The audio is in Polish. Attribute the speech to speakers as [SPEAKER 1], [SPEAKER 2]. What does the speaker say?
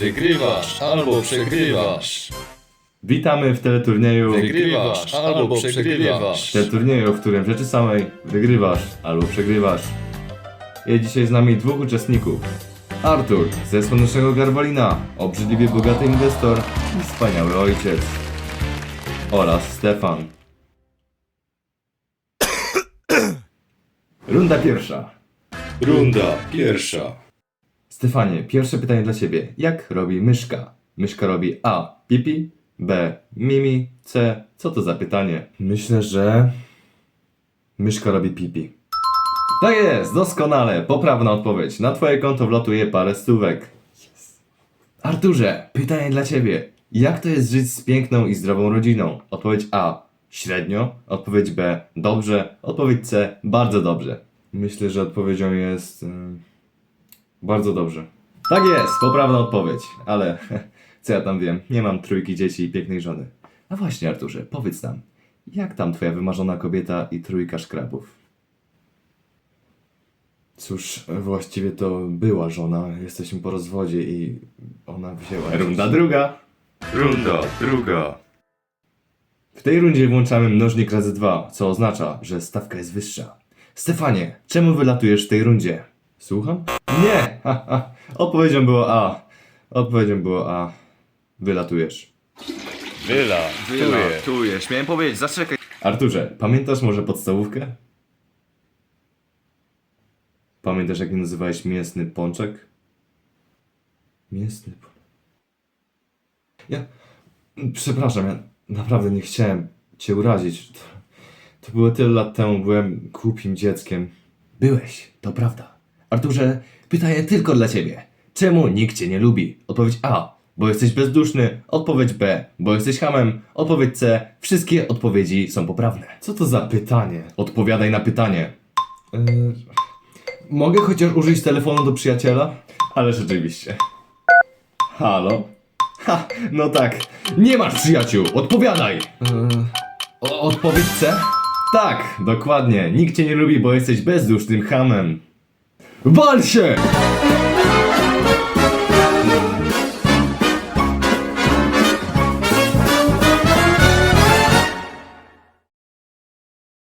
[SPEAKER 1] Wygrywasz albo przegrywasz.
[SPEAKER 2] Witamy w teleturnieju.
[SPEAKER 1] Wygrywasz albo przegrywasz.
[SPEAKER 2] W teleturnieju, w którym w rzeczy samej wygrywasz albo przegrywasz. Jest dzisiaj z nami dwóch uczestników. Artur ze Słonecznego Garwolina, obrzydliwie bogaty inwestor i wspaniały ojciec. Oraz Stefan. Runda pierwsza.
[SPEAKER 1] Runda pierwsza.
[SPEAKER 2] Stefanie, pierwsze pytanie dla ciebie. Jak robi myszka? Myszka robi A. Pipi, B. Mimi, C. Co to za pytanie? Myślę, że... myszka robi pipi. Tak jest, doskonale, poprawna odpowiedź. Na twoje konto wlatuje parę stówek. Arturze, pytanie dla ciebie. Jak to jest żyć z piękną i zdrową rodziną? Odpowiedź A. Średnio. Odpowiedź B. Dobrze. Odpowiedź C. Bardzo dobrze. Myślę, że odpowiedzią jest... bardzo dobrze. Tak jest, poprawna odpowiedź. Ale co ja tam wiem, nie mam trójki dzieci i pięknej żony. A właśnie, Arturze, powiedz nam, jak tam twoja wymarzona kobieta i trójka szkrabów? Cóż, właściwie to była żona, jesteśmy po rozwodzie i ona wzięła... Runda druga.
[SPEAKER 1] Runda druga.
[SPEAKER 2] W tej rundzie włączamy mnożnik razy 2, co oznacza, że stawka jest wyższa. Stefanie, czemu wylatujesz w tej rundzie? Słucham? Nie! Odpowiedzią było A. Odpowiedzią było A. Wylatujesz.
[SPEAKER 1] Wylatujesz. Miałem powiedzieć, zaczekaj.
[SPEAKER 2] Arturze, pamiętasz może podstawówkę? Pamiętasz, jak nazywałeś mięsny pączek? Mięsny pączek. Przepraszam, ja naprawdę nie chciałem cię urazić. To było tyle lat temu, byłem głupim dzieckiem. Byłeś, to prawda. Arturze, pytanie tylko dla ciebie. Czemu nikt cię nie lubi? Odpowiedź A. Bo jesteś bezduszny. Odpowiedź B. Bo jesteś chamem. Odpowiedź C. Wszystkie odpowiedzi są poprawne. Co to za pytanie? Odpowiadaj na pytanie. Mogę chociaż użyć telefonu do przyjaciela? Ale rzeczywiście. Halo? Ha, no tak. Nie masz przyjaciół. Odpowiadaj. Odpowiedź C? Tak, dokładnie. Nikt cię nie lubi, bo jesteś bezdusznym chamem. Wal się!